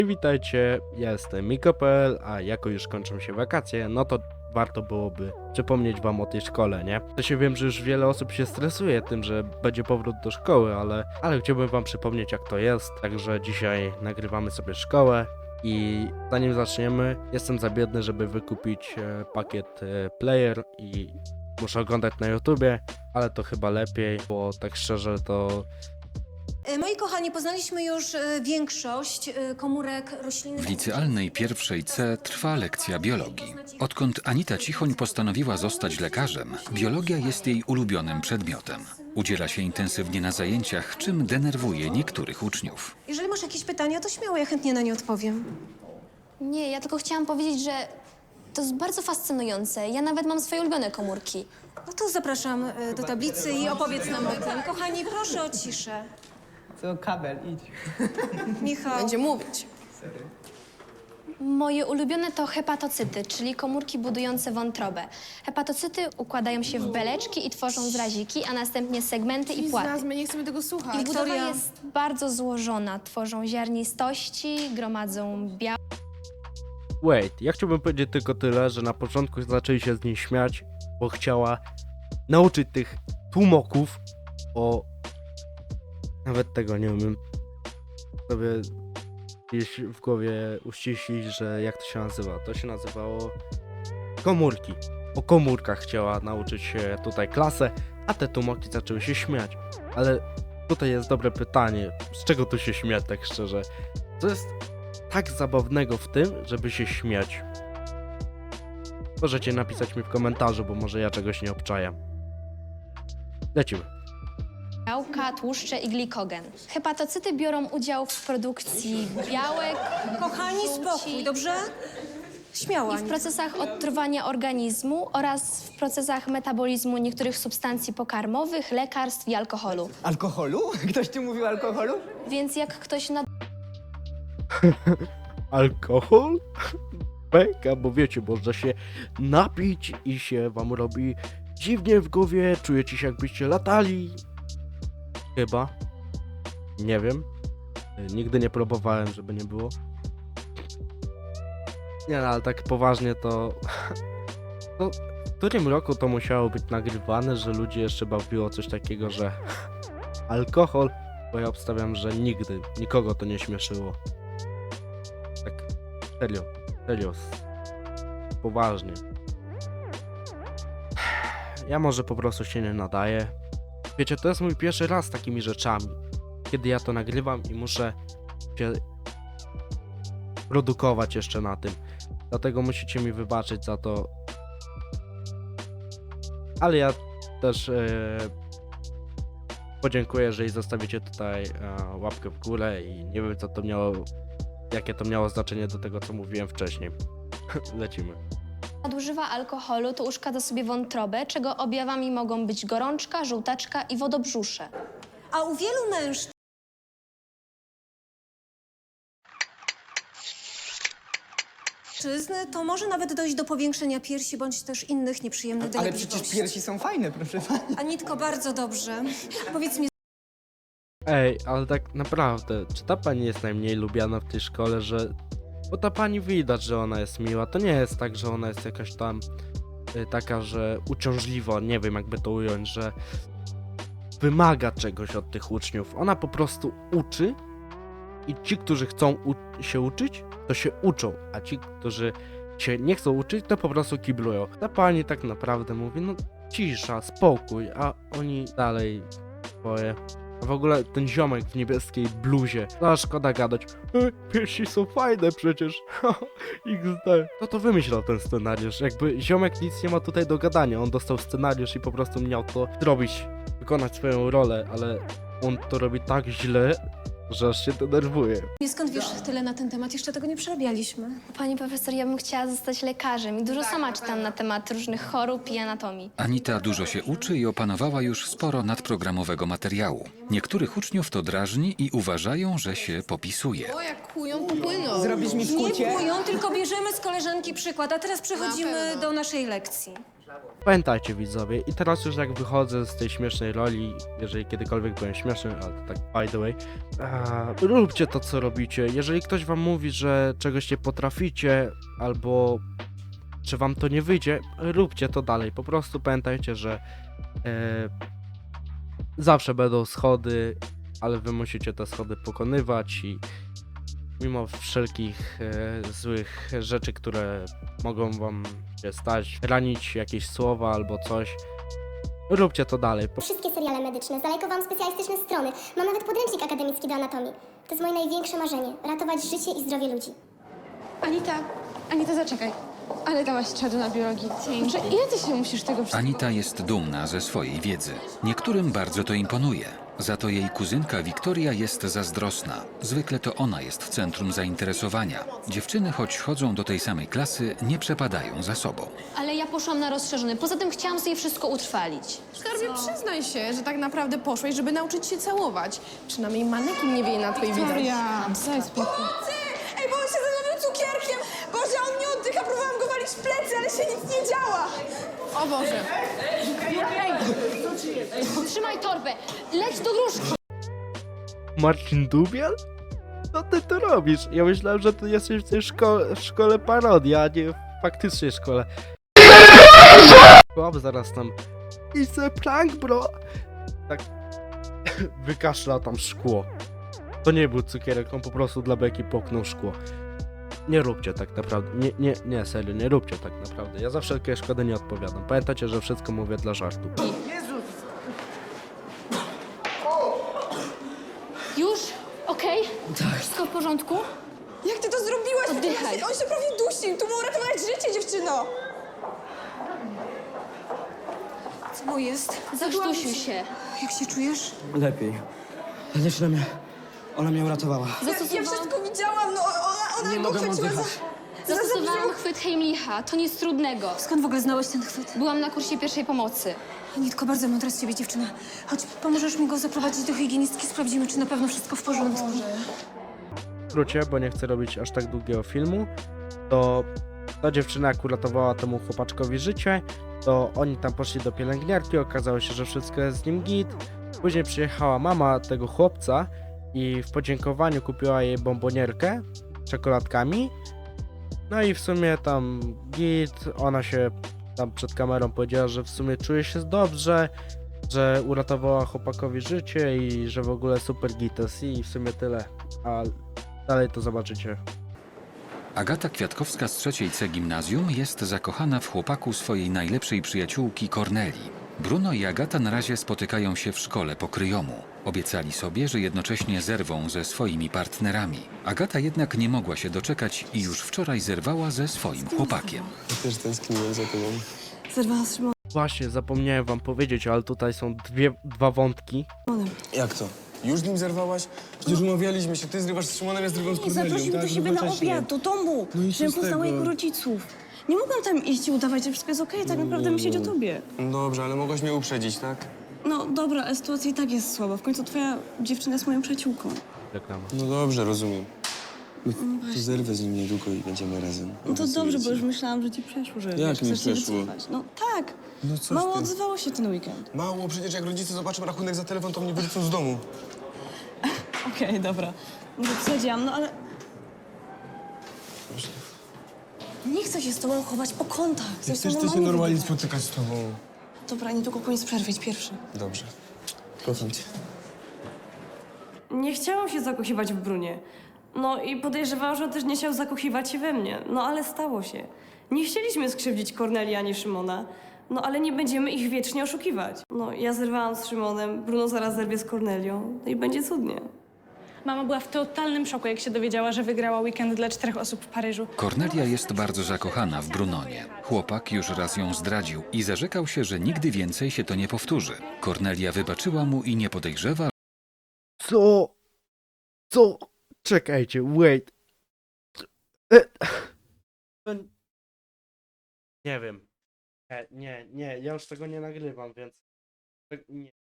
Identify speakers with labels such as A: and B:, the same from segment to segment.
A: Witajcie, ja jestem Miko.pl, a jako już kończą się wakacje, no to warto byłoby przypomnieć wam o tej szkole, nie? To się wiem, że już wiele osób się stresuje tym, że będzie powrót do szkoły, ale chciałbym wam przypomnieć, jak to jest. Także dzisiaj nagrywamy sobie szkołę i zanim zaczniemy, jestem za biedny, żeby wykupić pakiet player i muszę oglądać na YouTubie, ale to chyba lepiej, bo tak szczerze to
B: Moi kochani, poznaliśmy już większość komórek roślinnych.
C: W licealnej pierwszej C trwa lekcja biologii. Odkąd Anita Cichoń postanowiła zostać lekarzem, biologia jest jej ulubionym przedmiotem. Udziela się intensywnie na zajęciach, czym denerwuje niektórych uczniów.
B: Jeżeli masz jakieś pytania, to śmiało, ja chętnie na nie odpowiem.
D: Nie, ja tylko chciałam powiedzieć, że to jest bardzo fascynujące. Ja nawet mam swoje ulubione komórki.
B: No to zapraszam do tablicy i opowiedz nam o tym. Kochani, proszę o ciszę.
E: Co, kabel, idź.
B: Michał.
F: Będzie mówić.
D: Moje ulubione to hepatocyty, czyli komórki budujące wątrobę. Hepatocyty układają się w beleczki i tworzą zraziki, a następnie segmenty i
F: I z
D: płaty.
F: nas, my nie chcemy tego słuchać.
D: Ich budowa
B: Wiktoria.
D: jest bardzo złożona. Tworzą ziarnistości, gromadzą białko.
A: Wait, ja chciałbym powiedzieć tylko tyle, że na początku zaczęli się z niej śmiać, bo chciała nauczyć tych tłumoków o... Nawet tego nie umiem sobie gdzieś w głowie uściślić, że jak to się nazywa. To się nazywało komórki. O komórkach chciała nauczyć się tutaj klasę, a te tłumoki zaczęły się śmiać. Ale tutaj jest dobre pytanie, z czego tu się śmiać tak szczerze? Co jest tak zabawnego w tym, żeby się śmiać? Możecie napisać mi w komentarzu, bo może ja czegoś nie obczaję. Lecimy.
D: Białka, tłuszcze i glikogen. Hepatocyty biorą udział w produkcji białek,
B: Kochani, spokój, dobrze? Śmiała.
D: i w procesach odtruwania organizmu oraz w procesach metabolizmu niektórych substancji pokarmowych, lekarstw i alkoholu.
E: Alkoholu? Ktoś tu mówił o alkoholu?
D: Więc jak ktoś
A: Alkohol? Beka, bo wiecie, można się napić i się wam robi dziwnie w głowie, czujecie się jakbyście latali. Chyba. Nie wiem. Nigdy nie próbowałem, żeby nie było. Nie no, ale tak poważnie to... to w którym roku to musiało być nagrywane, że ludzie jeszcze bawiło coś takiego, że alkohol, bo ja obstawiam, że nigdy, nikogo to nie śmieszyło. Tak, serio, poważnie. Ja może po prostu się nie nadaję. Wiecie, to jest mój pierwszy raz z takimi rzeczami, kiedy ja to nagrywam i muszę się produkować jeszcze na tym. Dlatego musicie mi wybaczyć za to. Ale ja też podziękuję, jeżeli zostawicie tutaj łapkę w górę i nie wiem, co to miało, jakie to miało znaczenie do tego, co mówiłem wcześniej. Lecimy.
D: nadużywa alkoholu, to uszkadza sobie wątrobę, czego objawami mogą być gorączka, żółtaczka i wodobrzusze.
B: A u wielu mężczyzn to może nawet dojść do powiększenia piersi bądź też innych nieprzyjemnych
E: Ale
B: dolegliwości.
E: przecież piersi są fajne, proszę pani.
B: Anitko, bardzo dobrze. Powiedz mi,
A: Ej, ale tak naprawdę, czy ta pani jest najmniej lubiana w tej szkole, że... Bo ta pani widać, że ona jest miła, to nie jest tak, że ona jest jakaś tam taka, że uciążliwa, nie wiem jakby to ująć, że wymaga czegoś od tych uczniów. Ona po prostu uczy i ci, którzy chcą się uczyć, to się uczą, a ci, którzy się nie chcą uczyć, to po prostu kiblują. Ta pani tak naprawdę mówi, no cisza, spokój, a oni dalej swoje. A w ogóle ten ziomek w niebieskiej bluzie, no szkoda gadać. Piersi są fajne przecież. XD. Kto to wymyślał ten scenariusz? Jakby ziomek nic nie ma tutaj do gadania. On dostał scenariusz i po prostu miał to zrobić, wykonać swoją rolę, ale on to robi tak źle, że aż się denerwuje.
B: skąd wiesz tyle na ten temat? Jeszcze tego nie przerabialiśmy.
D: Pani profesor, ja bym chciała zostać lekarzem i dużo sama czytam na temat różnych chorób i anatomii.
C: Anita dużo się uczy i opanowała już sporo nadprogramowego materiału. Niektórych uczniów to drażni i uważają, że się popisuje.
F: O, jak kują, to płyną.
E: Zrobisz mi
B: Nie
E: skucie?
B: kłują, tylko bierzemy z koleżanki przykład, a teraz przechodzimy
F: pewno.
B: do naszej lekcji.
A: Pamiętajcie widzowie, i teraz już jak wychodzę z tej śmiesznej roli, jeżeli kiedykolwiek byłem śmieszny, ale to tak by the way, róbcie to co robicie. Jeżeli ktoś wam mówi, że czegoś nie potraficie, albo że wam to nie wyjdzie, róbcie to dalej. Po prostu pamiętajcie, że zawsze będą schody, ale wy musicie te schody pokonywać i mimo wszelkich złych rzeczy, które mogą wam się stać, ranić jakieś słowa albo coś, róbcie to dalej.
G: Wszystkie seriale medyczne, zalajkowałam specjalistyczne strony. Mam nawet podręcznik akademicki do anatomii. To jest moje największe marzenie. Ratować życie i zdrowie ludzi.
F: Anita, zaczekaj. Ale dałaś czadu na biologii. Znaczy, ile ty się musisz tego wszystkiego...
C: Anita jest dumna ze swojej wiedzy. Niektórym bardzo to imponuje. Za to jej kuzynka Wiktoria jest zazdrosna. Zwykle to ona jest w centrum zainteresowania. Dziewczyny, choć chodzą do tej samej klasy, nie przepadają za sobą.
D: Ale ja poszłam na rozszerzony. Poza tym chciałam sobie wszystko utrwalić.
F: Skarbie, przyznaj się, że tak naprawdę poszłeś, żeby nauczyć się całować. Przynajmniej manekin nie wieje na twój widok.
H: Wiktoria,
F: daj spokój.
H: Ej, bo on się zanowił cukierkiem! Boże, on nie oddycha, próbowałam go walić w plecy, ale się nic nie działa!
F: O Boże.
D: Trzymaj torbę! Leć do gruszki!
A: Marcin Dubiel? Co ty tu robisz? Ja myślałem, że ty jesteś w tej szkole parodii, a nie w faktycznej szkole. Chłop zaraz tam... It's a prank, bro! Tak... Wykaszla tam szkło. To nie był cukierek, on po prostu dla beki poknął szkło. Nie róbcie tak naprawdę. Nie, serio, nie róbcie tak naprawdę. Ja za wszelkie szkody nie odpowiadam. Pamiętajcie, że wszystko mówię dla żartu.
D: Już? Okej? Wszystko w porządku?
H: Jak ty to zrobiłaś?
D: Oddychaj.
H: On się prawie dusił, tu mu uratować życie, dziewczyno!
B: Co mu jest?
D: Zakrztusił się.
B: Jak się czujesz?
I: Lepiej. Ta dziewczyna mnie... Ona mnie uratowała.
H: Ja wszystko widziałam, no ona
I: Nie
H: go
I: mogę
H: chwyciła
I: oddychać.
D: Zastosowałam chwyt Heimlicha. To nic trudnego.
B: Skąd w ogóle znałeś ten chwyt?
D: Byłam na kursie pierwszej pomocy.
B: Anitko, bardzo mądra z ciebie dziewczyna. Chodź, pomożesz mi go zaprowadzić do higienistki, sprawdzimy, czy na pewno wszystko w porządku.
A: W skrócie, bo nie chcę robić aż tak długiego filmu, to ta dziewczyna jak uratowała temu chłopaczkowi życie, to oni tam poszli do pielęgniarki, okazało się, że wszystko jest z nim git. Później przyjechała mama tego chłopca i w podziękowaniu kupiła jej bombonierkę z czekoladkami. No i w sumie tam git, ona się tam przed kamerą powiedziała, że w sumie czuje się dobrze, że uratowała chłopakowi życie i że w ogóle super gites i w sumie tyle. A dalej to zobaczycie.
C: Agata Kwiatkowska z 3C gimnazjum jest zakochana w chłopaku swojej najlepszej przyjaciółki Kornelii. Bruno i Agata na razie spotykają się w szkole po kryjomu. Obiecali sobie, że jednocześnie zerwą ze swoimi partnerami. Agata jednak nie mogła się doczekać i już wczoraj zerwała ze swoim chłopakiem.
I: Ja też tęskniłem za tobą.
B: Zerwałam z Szymonem.
A: Właśnie, zapomniałem wam powiedzieć, ale tutaj są dwa wątki.
I: Jak to? Już z nim zerwałaś? Przecież umawialiśmy się, ty zrywasz z Szymonem, ja zrywam z
J: Nie,
I: Kornelią,
J: zaprosił
I: tak?
J: do siebie na
I: Jednocześnie.
J: obiad, do domu,
I: No i co
J: żebym
I: z
J: poznała
I: tego?
J: jego rodziców. Nie mogłam tam iść i udawać, że wszystko jest okej, tak naprawdę myśleć o tobie.
I: No dobrze, ale mogłaś mnie uprzedzić, tak?
J: No dobra, ale sytuacja i tak jest słaba. W końcu twoja dziewczyna jest moją przyjaciółką.
A: Reklama.
I: No dobrze, rozumiem. No, to zerwę z nim niedługo i będziemy razem.
J: No to
I: Obiecuję
J: dobrze,
I: ci.
J: bo już myślałam, że ci przeszło, że
I: Jak
J: wiesz,
I: mi
J: chcesz się
I: przeszło?
J: wycofać. No tak,
I: No coś
J: mało
I: ty.
J: odzywało się ten weekend.
I: Mało, przecież jak rodzice zobaczą rachunek za telefon, to mnie wyrzucą z domu.
J: Okej, dobra. Może przesadziłam, no ale... Nie chcę się z tobą chować po kątach.
I: Ja
J: Chcę
I: też chcę się normalnie spotykać z tobą.
J: Dobra, niedługo koniec przerwy, idź pierwszy.
I: Dobrze. Kocham cię.
K: Nie chciałam się zakochiwać w Brunie. No i podejrzewałam, że on też nie chciał zakochiwać się we mnie. No ale stało się. Nie chcieliśmy skrzywdzić Kornelii ani Szymona. No ale nie będziemy ich wiecznie oszukiwać. No ja zerwałam z Szymonem, Bruno zaraz zerwie z Kornelią. No i będzie cudnie.
H: Mama była w totalnym szoku, jak się dowiedziała, że wygrała weekend dla 4 osób w Paryżu.
C: Kornelia jest bardzo zakochana w Brunonie. Chłopak już raz ją zdradził i zarzekał się, że nigdy więcej się to nie powtórzy. Kornelia wybaczyła mu i nie podejrzewa,
A: Co? Czekajcie, wait. To... Nie wiem. Nie, ja już tego nie nagrywam, więc... Nie.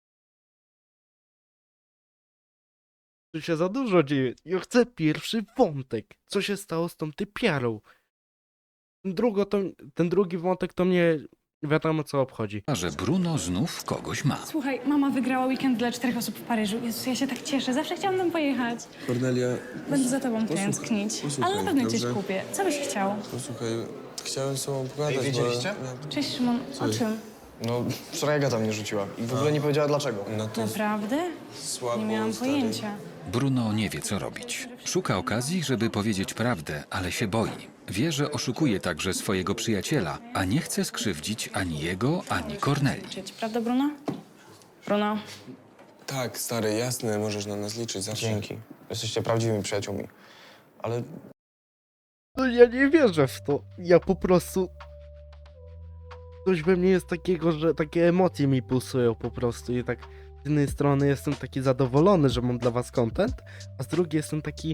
A: Tu się za dużo dzieje. Ja chcę pierwszy wątek. Co się stało z tą typiarą? Ten drugi wątek to mnie wiadomo co obchodzi.
C: że Bruno znów kogoś ma.
J: Słuchaj, mama wygrała weekend dla 4 osób w Paryżu. Jezus, ja się tak cieszę. Zawsze chciałam tam pojechać.
I: Kornelia,
J: Będę za tobą tęsknić.
I: posłuchaj,
J: Ale na pewno coś
I: dobrze?
J: kupię. Co byś chciał?
I: posłuchaj, chciałem z tobą pogadać,
L: Wiedzieliście?
J: Cześć, Szymon. O czym?
L: No, wczoraj Agata mnie rzuciła i w ogóle nie powiedziała dlaczego.
I: No to
J: Naprawdę?
I: słabo,
J: Nie miałam
I: stary.
J: pojęcia.
C: Bruno nie wie, co robić. Szuka okazji, żeby powiedzieć prawdę, ale się boi. Wie, że oszukuje także swojego przyjaciela, a nie chce skrzywdzić ani jego, ani Kornelii.
J: Prawda, Bruno? Bruno?
I: Tak, stary, jasne, możesz na nas liczyć zawsze.
L: Dzięki. Jesteście prawdziwymi przyjaciółmi. Ale
A: No ja nie wierzę w to. Ja po prostu... Coś we mnie jest takiego, że takie emocje mi pulsują po prostu i tak z jednej strony jestem taki zadowolony, że mam dla was content, a z drugiej jestem taki...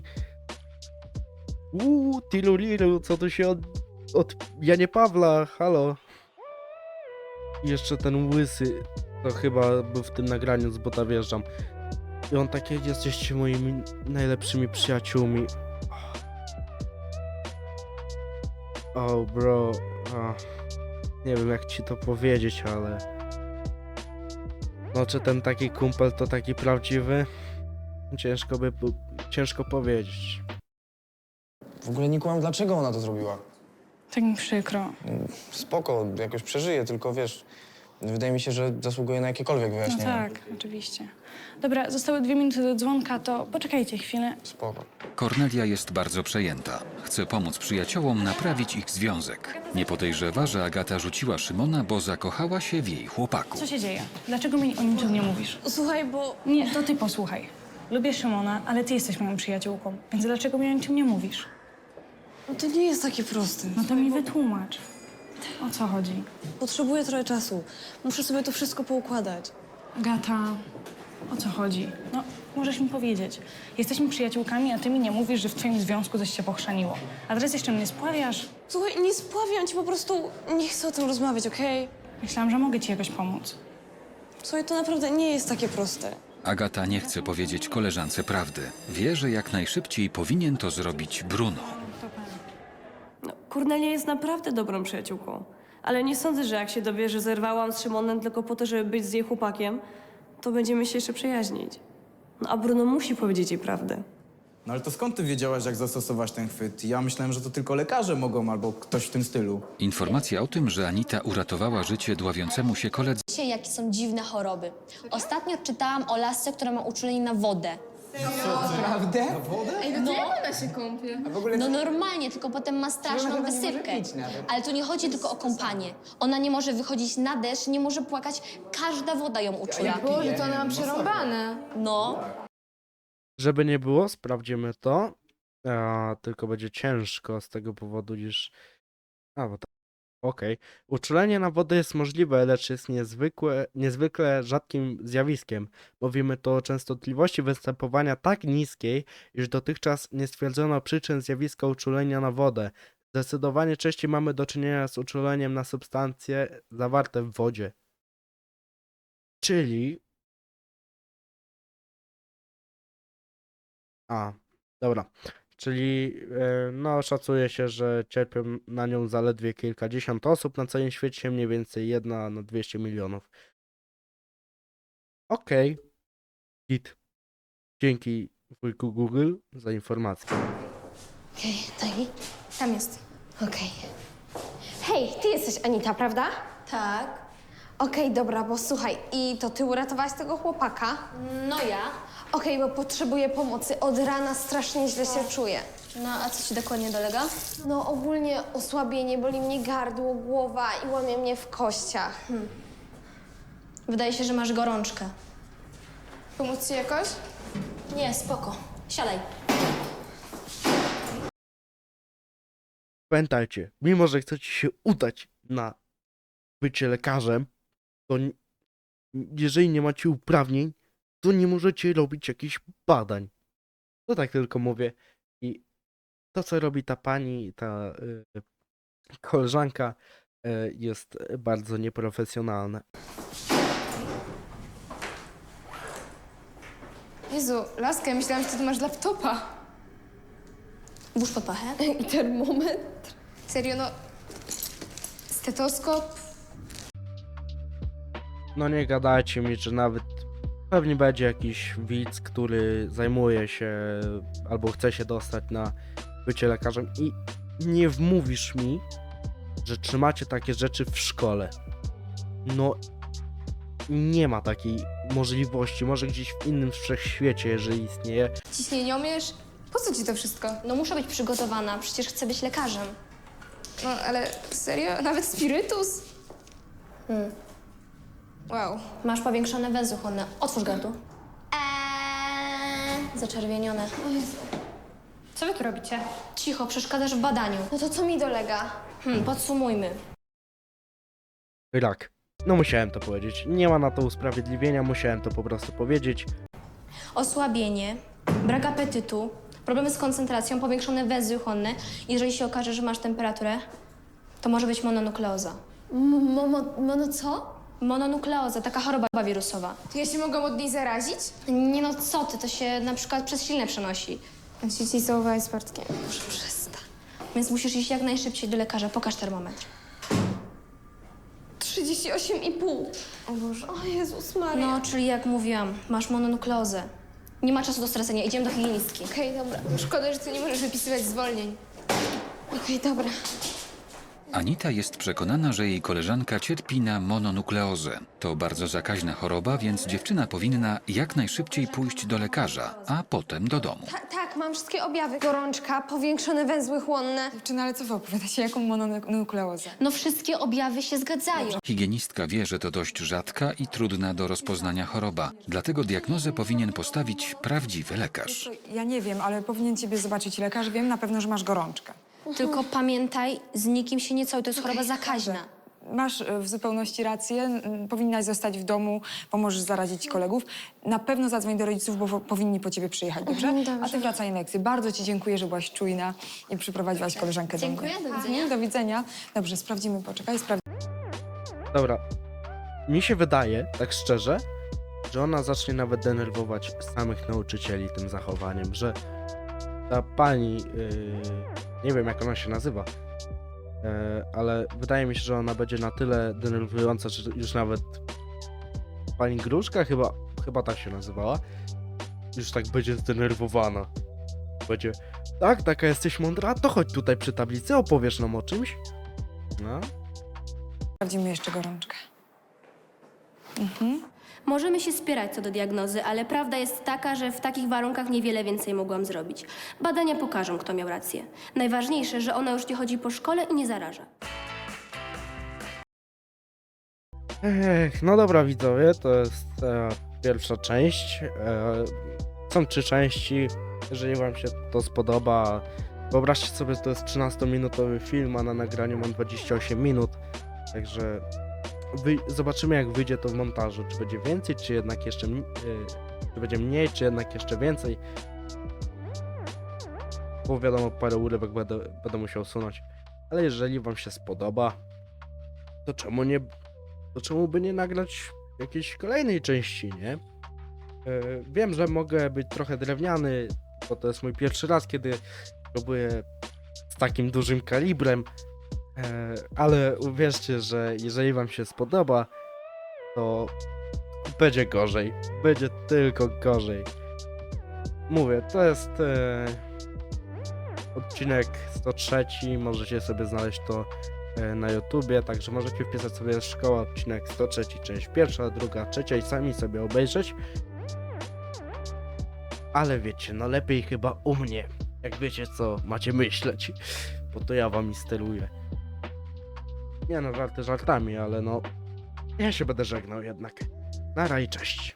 A: Tilulilu, co tu się od Janie Pawla, halo. I jeszcze ten łysy, to chyba był w tym nagraniu z Bota Wjeżdżam. I on takie, jesteście moimi najlepszymi przyjaciółmi. Oh bro, nie wiem jak ci to powiedzieć, ale... No czy ten taki kumpel to taki prawdziwy? Ciężko powiedzieć.
L: w ogóle nie kumam, dlaczego ona to zrobiła.
J: Tak mi przykro.
L: Spoko, jakoś przeżyję, tylko wiesz, wydaje mi się, że zasługuje na jakiekolwiek
J: No
L: wyjaśnienie.
J: tak, oczywiście. Dobra, zostały 2 minuty do dzwonka, to poczekajcie chwilę.
L: Spoko.
C: Kornelia jest bardzo przejęta. Chce pomóc przyjaciołom naprawić ich związek. Nie podejrzewa, że Agata rzuciła Szymona, bo zakochała się w jej chłopaku.
J: Co się dzieje? Dlaczego mi o niczym nie mówisz?
K: Słuchaj, bo...
J: Nie, to ty posłuchaj. Lubię Szymona, ale ty jesteś moją przyjaciółką, więc dlaczego mi o niczym nie mówisz?
K: No to nie jest takie proste.
J: No to mi wytłumacz. O co chodzi?
K: Potrzebuję trochę czasu. Muszę sobie to wszystko poukładać.
J: Agata, o co chodzi? No, możesz mi powiedzieć. Jesteśmy przyjaciółkami, a ty mi nie mówisz, że w twoim związku coś się pochrzaniło. A teraz jeszcze mnie spławiasz?
K: Słuchaj, nie spławiam cię, po prostu nie chcę o tym rozmawiać, okej?
J: Myślałam, że mogę ci jakoś pomóc.
K: Słuchaj, to naprawdę nie jest takie proste.
C: Agata nie chce powiedzieć koleżance prawdy. Wie, że jak najszybciej powinien to zrobić Bruno.
K: No, Kornelia jest naprawdę dobrą przyjaciółką. Ale nie sądzę, że jak się dowie, że zerwałam z Szymonem tylko po to, żeby być z jej chłopakiem, to będziemy się jeszcze przyjaźnić. No a Bruno musi powiedzieć jej prawdę.
E: No ale to skąd ty wiedziałaś, jak zastosować ten chwyt? Ja myślałem, że to tylko lekarze mogą albo ktoś w tym stylu.
C: Informacja o tym, że Anita uratowała życie dławiącemu się koledze,
D: Wiecie, jakie są dziwne choroby. Ostatnio czytałam o lasce, która ma uczulenie na wodę.
E: Naprawdę?
D: No normalnie, tylko potem ma straszną wysypkę. Ale tu nie chodzi tylko o kąpanie. Ona nie może wychodzić na deszcz, nie może płakać. Każda woda ją uczula.
H: Boże, to ona ma przerąbane.
D: No.
A: Żeby nie było, sprawdzimy to. Tylko będzie ciężko z tego powodu, iż... bo to... Okej. Uczulenie na wodę jest możliwe, lecz jest niezwykle rzadkim zjawiskiem. Mówimy tu o częstotliwości występowania tak niskiej, iż dotychczas nie stwierdzono przyczyn zjawiska uczulenia na wodę. Zdecydowanie częściej mamy do czynienia z uczuleniem na substancje zawarte w wodzie. Czyli... Dobra. Czyli no szacuje się, że cierpią na nią zaledwie kilkadziesiąt osób na całym świecie, mniej więcej 1 na 200 milionów. Okej. Git. Dzięki wujku Google za informację.
H: Okej, daj. Tam jest. Okej. Hej, ty jesteś Anita, prawda?
D: Tak.
H: Okej, dobra, bo słuchaj, i to ty uratowałaś tego chłopaka?
D: No ja.
H: Okej, bo potrzebuję pomocy. Od rana strasznie źle się czuję.
D: No a co ci dokładnie dolega?
H: No ogólnie osłabienie, boli mnie gardło, głowa i łamie mnie w kościach.
D: Wydaje się, że masz gorączkę.
H: Pomóc ci jakoś?
D: Nie, spoko. Siadaj.
A: Pamiętajcie, mimo że chcecie się udać na bycie lekarzem, to jeżeli nie macie uprawnień, to nie możecie robić jakichś badań. To tak tylko mówię. I to, co robi ta pani, ta koleżanka, jest bardzo nieprofesjonalne.
H: Jezu, laska, ja myślałam, że ty tu masz laptopa.
D: Włóż pod pachę.
H: I termometr. Serio, no... Stetoskop.
A: no nie gadajcie mi, że nawet pewnie będzie jakiś widz, który zajmuje się albo chce się dostać na bycie lekarzem i nie wmówisz mi, że trzymacie takie rzeczy w szkole. No, nie ma takiej możliwości, może gdzieś w innym wszechświecie, jeżeli istnieje.
H: Ciśnieniomierz? Po co ci to wszystko?
D: No muszę być przygotowana, przecież chcę być lekarzem.
H: No ale serio? Nawet spirytus? Wow.
D: Masz powiększone węzły chłonne. Otwórz gardło. Zaczerwienione.
H: Co wy tu robicie?
D: Cicho, przeszkadzasz w badaniu.
H: No to co mi dolega?
D: Podsumujmy.
A: Tak, no musiałem to powiedzieć. Nie ma na to usprawiedliwienia, musiałem to po prostu powiedzieć.
D: Osłabienie, brak apetytu, problemy z koncentracją, powiększone węzły chłonne. Jeżeli się okaże, że masz temperaturę, to może być mononukleoza.
H: Mono co?
D: Mononukleoza, taka choroba wirusowa.
H: To ja się mogłam od niej zarazić?
D: Nie no, co ty, to się na przykład przez ślinę przenosi.
H: Ja się dzisiaj całowałam z Bartkiem.
D: Może przestań. Więc musisz iść jak najszybciej do lekarza. Pokaż termometr.
H: 38,5. O Boże, o Jezus Maria.
D: No, czyli jak mówiłam, masz mononukleozę. Nie ma czasu do stracenia, idziemy do higienistki.
H: Okej, dobra. Szkoda, że ty nie możesz wypisywać zwolnień. Okej, dobra.
C: Anita jest przekonana, że jej koleżanka cierpi na mononukleozę. To bardzo zakaźna choroba, więc dziewczyna powinna jak najszybciej pójść do lekarza, a potem do domu.
H: Tak, mam wszystkie objawy. Gorączka, powiększone węzły chłonne.
F: Dziewczyna, ale co wy opowiadacie? Jaką mononukleozę?
D: No wszystkie objawy się zgadzają.
C: Higienistka wie, że to dość rzadka i trudna do rozpoznania choroba. Dlatego diagnozę powinien postawić prawdziwy lekarz.
F: Ja nie wiem, ale powinien ciebie zobaczyć lekarz. Wiem na pewno, że masz gorączkę.
D: Tylko pamiętaj, z nikim się nie całuj, to jest choroba zakaźna.
F: Masz w zupełności rację. Powinnaś zostać w domu, pomożesz zarazić kolegów. Na pewno zadzwoń do rodziców, bo powinni po ciebie przyjechać, dobrze? A ty wracaj na lekcję. Bardzo ci dziękuję, że byłaś czujna i przyprowadziłaś koleżankę do mnie.
D: Dziękuję, do widzenia.
F: Do widzenia. Dobrze, sprawdzimy, poczekaj,
A: Dobra, mi się wydaje, tak szczerze, że ona zacznie nawet denerwować samych nauczycieli tym zachowaniem, że ta pani, nie wiem jak ona się nazywa, ale wydaje mi się, że ona będzie na tyle denerwująca, że już nawet pani Gruszka chyba tak się nazywała, już tak będzie zdenerwowana. Będzie, tak, taka jesteś mądra, to chodź tutaj przy tablicy, opowiesz nam o czymś. No.
F: sprawdzimy jeszcze gorączkę.
M: Możemy się spierać co do diagnozy, ale prawda jest taka, że w takich warunkach niewiele więcej mogłam zrobić. Badania pokażą, kto miał rację. Najważniejsze, że ona już nie chodzi po szkole i nie zaraża.
A: No dobra widzowie, to jest pierwsza część. Są 3 części. Jeżeli wam się to spodoba, wyobraźcie sobie, że to jest 13-minutowy film, a na nagraniu mam 28 minut. Także zobaczymy jak wyjdzie to w montażu. Czy będzie więcej, czy jednak jeszcze czy będzie mniej, czy jednak jeszcze więcej. Bo wiadomo, parę urywek będę musiał usunąć. Ale jeżeli wam się spodoba, to czemu by nie nagrać jakiejś kolejnej części, nie? Wiem, że mogę być trochę drewniany, bo to jest mój pierwszy raz, kiedy próbuję z takim dużym kalibrem, ale uwierzcie, że jeżeli wam się spodoba, to będzie gorzej. Będzie tylko gorzej. Mówię, to jest odcinek 103, możecie sobie znaleźć to na YouTubie, także możecie wpisać sobie Szkoła, odcinek 103, część pierwsza, druga, trzecia i sami sobie obejrzeć. Ale wiecie, no lepiej chyba u mnie, jak wiecie co macie myśleć, bo to ja wam steruję. Nie no, żarty żartami, ale no, ja się będę żegnał jednak. Nara i cześć.